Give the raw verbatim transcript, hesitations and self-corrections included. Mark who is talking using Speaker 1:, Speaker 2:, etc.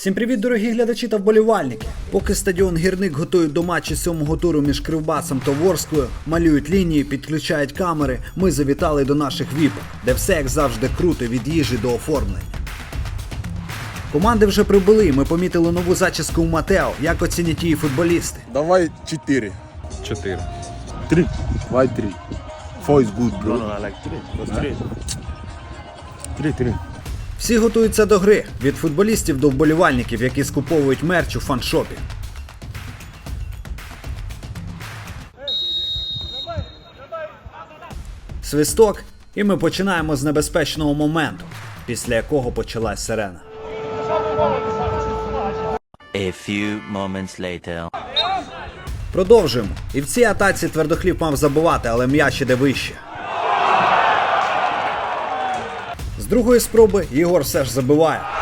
Speaker 1: Всім привіт, дорогі глядачі та вболівальники! Поки стадіон Гірник готують до матчу сьомого туру між Кривбасом та Ворсклою, малюють лінії, підключають камери, ми завітали до наших віпок, де все як завжди круто від їжі до оформлення. Команди вже прибули, ми помітили нову зачіску у Матео. Як оцінять її футболісти?
Speaker 2: Давай четыре.
Speaker 3: Чотири.
Speaker 2: Три. Давай три. Four is good, bro.
Speaker 4: No, no, I like three. What's three? Three, three.
Speaker 1: Всі готуються до гри, від футболістів до вболівальників, які скуповують мерч у фаншопі. Свисток, і ми починаємо з небезпечного моменту, після якого почалась сирена.
Speaker 5: A few moments later.
Speaker 1: Продовжуємо. І в цій атаці Твердохліб мав забивати, але м'яч іде вище. З другої спроби Єгор все ж забиває.